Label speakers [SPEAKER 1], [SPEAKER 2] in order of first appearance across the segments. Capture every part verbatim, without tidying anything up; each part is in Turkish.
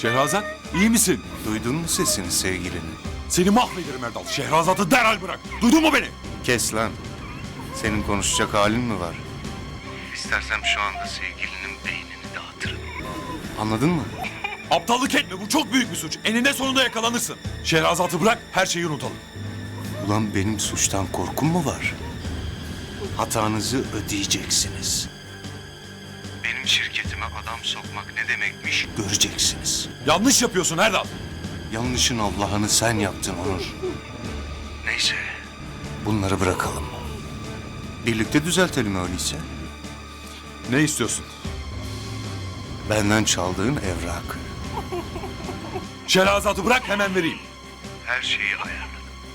[SPEAKER 1] Şehrazat, iyi misin?
[SPEAKER 2] Duydun mu sesini sevgilini?
[SPEAKER 1] Seni mahvederim Erdal. Şehrazat'ı derhal bırak. Duydun mu beni?
[SPEAKER 2] Kes lan. Senin konuşacak halin mi var? İstersem şu anda sevgilinin beynini dağıtırım. Anladın mı?
[SPEAKER 1] Aptallık etme. Bu çok büyük bir suç. Eninde sonunda yakalanırsın. Şehrazat'ı bırak, her şeyi unutalım.
[SPEAKER 2] Ulan benim suçtan korkum mu var? Hatanızı ödeyeceksiniz. Benim şirketime adam sokmak ne demekmiş göreceksiniz.
[SPEAKER 1] Yanlış yapıyorsun Erdal.
[SPEAKER 2] Yanlışın Allah'ını sen yaptın Onur. Neyse. Bunları bırakalım. Birlikte düzeltelim öyleyse.
[SPEAKER 1] Ne istiyorsun?
[SPEAKER 2] Benden çaldığın evrakı.
[SPEAKER 1] Şehrazat'ı bırak, hemen vereyim.
[SPEAKER 2] Her şeyi ayarladım.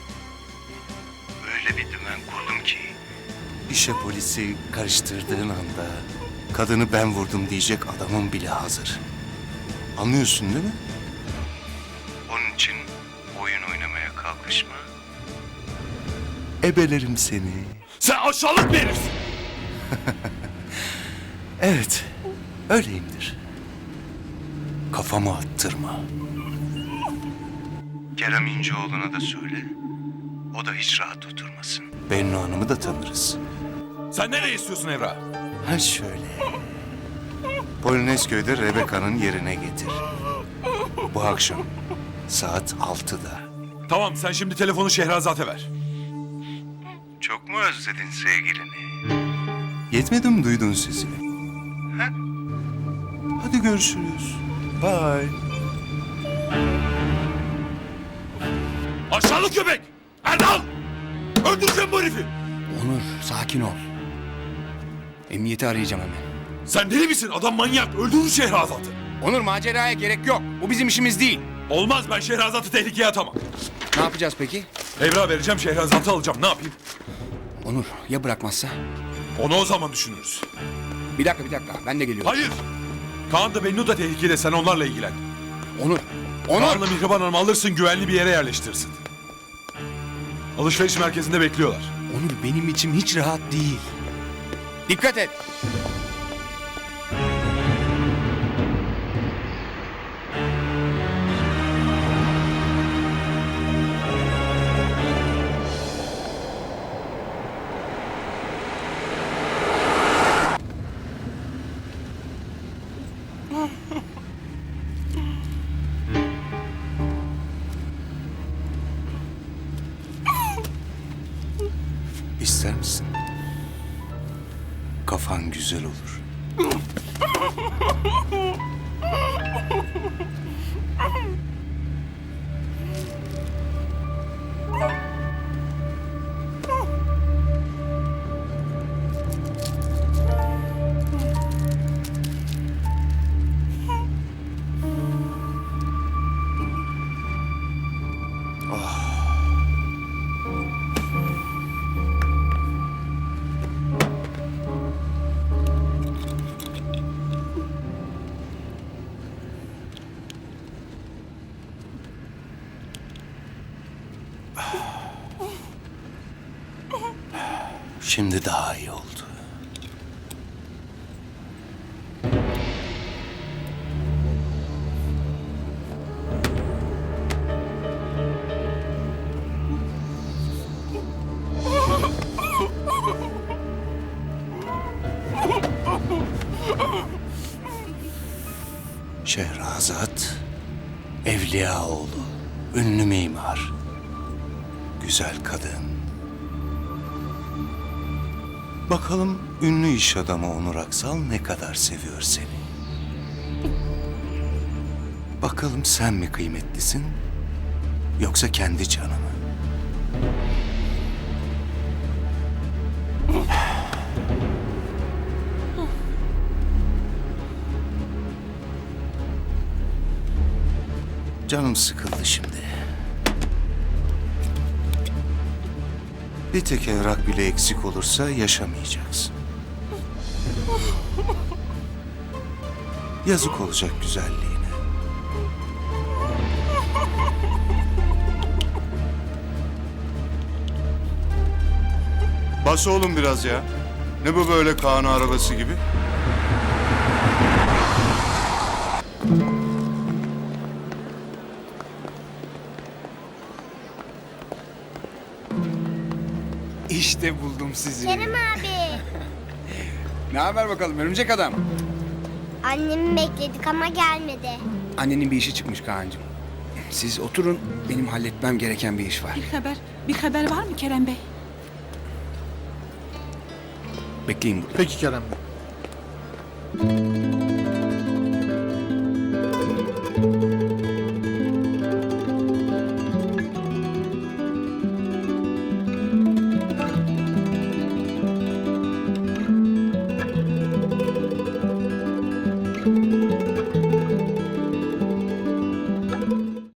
[SPEAKER 2] Öyle bir dümen kurdum ki... İşe polisi karıştırdığın anda... Kadını ben vurdum diyecek adamın bile hazır. Anlıyorsun değil mi? Onun için oyun oynamaya kalkışma. Ebelerim seni.
[SPEAKER 1] Sen aşağılık bir herifsin.
[SPEAKER 2] Evet, öyleyimdir. Kafamı attırma. Kerem İnceoğlu'na da söyle. O da hiç rahat oturmasın. Bennu Hanım'ı da tanırız.
[SPEAKER 1] Sen nereye istiyorsun Evra?
[SPEAKER 2] Ha şöyle. Polonezköy'de Rebeka'nın yerine getir. Bu akşam saat altıda.
[SPEAKER 1] Tamam, sen şimdi telefonu Şehrazat'a ver.
[SPEAKER 2] Çok mu özledin sevgilini? Yetmedi mi duydun sesini? Ha? Hadi görüşürüz. Bye.
[SPEAKER 1] Aşağılık köpek! Erdal! Öldüreceğim bu herifi!
[SPEAKER 3] Onur, sakin ol. Emniyeti arayacağım hemen.
[SPEAKER 1] Sen deli misin? Adam manyak. Öldürür Şehrazat'ı.
[SPEAKER 3] Onur, maceraya gerek yok. Bu bizim işimiz değil.
[SPEAKER 1] Olmaz, ben Şehrazat'ı tehlikeye atamam.
[SPEAKER 3] Ne yapacağız peki?
[SPEAKER 1] Evra vereceğim, Şehrazat'ı alacağım. Ne yapayım?
[SPEAKER 3] Onur, ya bırakmazsa?
[SPEAKER 1] Onu o zaman düşünürüz.
[SPEAKER 3] Bir dakika, bir dakika. Ben de geliyorum.
[SPEAKER 1] Hayır! Kaan da Bennu da tehlikede. Sen onlarla ilgilen.
[SPEAKER 3] Onur, Onur!
[SPEAKER 1] Kaan'la Mihriban Hanım'ı alırsın, güvenli bir yere yerleştirirsin. Alışveriş merkezinde bekliyorlar.
[SPEAKER 3] Onur, benim içim hiç rahat değil. Dikkat et!
[SPEAKER 2] İster misin? Kafan güzel olur. Şimdi daha iyi oldu. Şehrazat, Evliyaoğlu, ünlü mimar, güzel kadın. Bakalım ünlü iş adamı Onur Aksal ne kadar seviyor seni. Bakalım sen mi kıymetlisin, yoksa kendi canı mı? Canım sıkıldı şimdi. Bir tek evrak bile eksik olursa yaşamayacaksın. Yazık olacak güzelliğine. Bas oğlum biraz ya. Ne bu böyle Kaan arabası gibi?
[SPEAKER 3] İşte buldum sizi.
[SPEAKER 4] Kerem abi.
[SPEAKER 3] Ne haber bakalım örümcek adam?
[SPEAKER 4] Annemi bekledik ama gelmedi.
[SPEAKER 3] Annenin bir işi çıkmış Kaan'cığım. Siz oturun, benim halletmem gereken bir iş var.
[SPEAKER 5] Bir haber, bir haber var mı Kerem Bey?
[SPEAKER 3] Bekleyin burada.
[SPEAKER 6] Peki Kerem Bey.